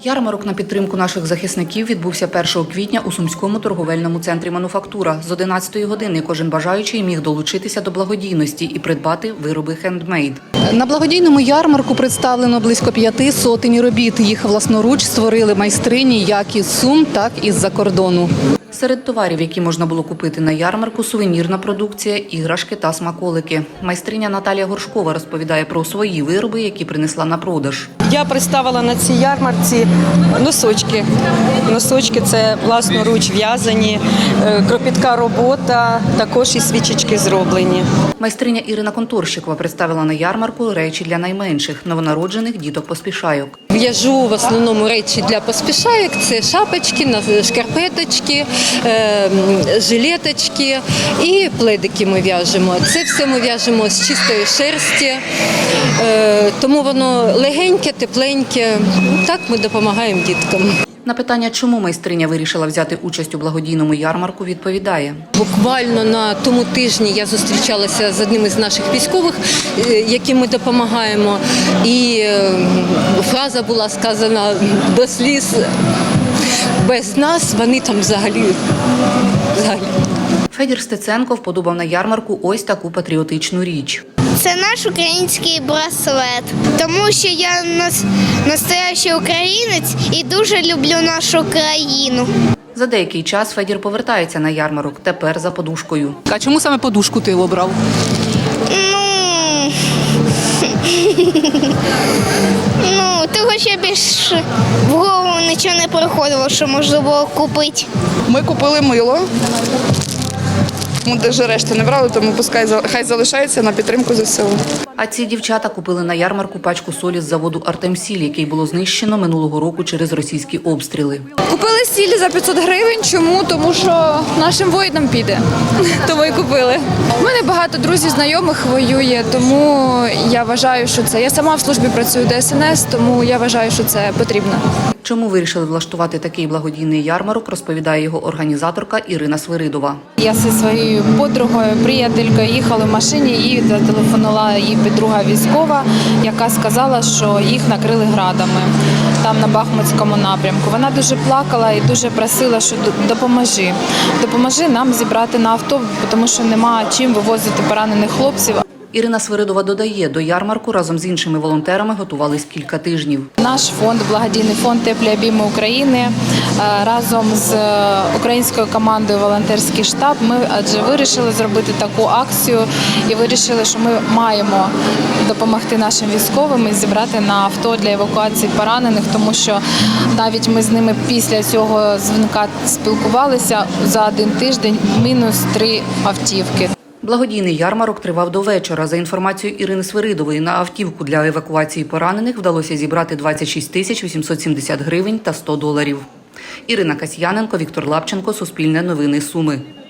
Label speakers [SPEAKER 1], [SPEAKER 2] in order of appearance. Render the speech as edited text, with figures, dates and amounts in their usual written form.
[SPEAKER 1] Ярмарок на підтримку наших захисників відбувся 1 квітня у Сумському торговельному центрі «Мануфактура». З 11-ї години кожен бажаючий міг долучитися до благодійності і придбати вироби хендмейд. На благодійному ярмарку представлено близько 5 сотень робіт. Їх власноруч створили майстрині як із Сум, так і з-за кордону. Серед товарів, які можна було купити на ярмарку, сувенірна продукція, іграшки та смаколики. Майстриня Наталія Горшкова розповідає про свої вироби, які принесла на продаж.
[SPEAKER 2] Я представила на цій ярмарці носочки. Носочки – це власноруч в'язані, кропітка робота, також і свічечки зроблені.
[SPEAKER 1] Майстриня Ірина Конторщикова представила на ярмарку речі для найменших, новонароджених діток-поспішайок.
[SPEAKER 3] В'яжу в основному речі для поспішайок – це шапочки, шкарпеточки, жилеточки і пледики ми в'яжемо. Це все ми в'яжемо з чистої шерсті, тому воно легеньке, тепленьке. Так ми допомагаємо діткам.
[SPEAKER 1] На питання, чому майстриня вирішила взяти участь у благодійному ярмарку, відповідає.
[SPEAKER 3] Буквально на тому тижні я зустрічалася з одним із наших військових, яким ми допомагаємо, і фраза була сказана до сліз: без нас вони там взагалі.
[SPEAKER 4] Федір Стеценко вподобав на ярмарку ось таку патріотичну річ.
[SPEAKER 5] Це наш український браслет, тому що я настоящий українець і дуже люблю нашу країну.
[SPEAKER 4] За деякий час Федір повертається на ярмарок, тепер за подушкою.
[SPEAKER 1] А чому саме подушку ти обрав?
[SPEAKER 5] Того що більше в голову нічого не приходило, що можна було купити.
[SPEAKER 6] Ми купили мило. Ми навіть решти не брали, тому хай залишається на підтримку ЗСУ.
[SPEAKER 4] А ці дівчата купили на ярмарку пачку солі з заводу «Артемсіль», який було знищено минулого року через російські обстріли.
[SPEAKER 7] Купили сіль за 500 гривень. Чому? Тому що нашим воїнам піде. Тому і купили. У мене багато друзів, знайомих воює, тому я вважаю, що це. Я сама в службі працюю ДСНС, тому я вважаю, що це потрібно.
[SPEAKER 4] Чому вирішили влаштувати такий благодійний ярмарок, розповідає його організаторка Ірина Свиридова.
[SPEAKER 8] Я зі своєю подругою, приятелькою їхали в машині, їй зателефонувала її подруга військова, яка сказала, що їх накрили градами там на Бахмутському напрямку. Вона дуже плакала і дуже просила, що допоможи нам зібрати на авто, тому що нема чим вивозити поранених хлопців.
[SPEAKER 4] Ірина Свиридова додає, до ярмарку разом з іншими волонтерами готувались кілька тижнів.
[SPEAKER 8] Наш фонд, благодійний фонд «Теплі обійми України», разом з українською командою «Волонтерський штаб» ми вирішили зробити таку акцію і вирішили, що ми маємо допомогти нашим військовим і зібрати на авто для евакуації поранених, тому що навіть ми з ними після цього дзвінка спілкувалися за один тиждень -3 автівки.
[SPEAKER 4] Благодійний ярмарок тривав до вечора. За інформацією Ірини Свиридової, на автівку для евакуації поранених вдалося зібрати 26 870 гривень та $100. Ірина Касьяненко, Віктор Лапченко, Суспільне новини Суми.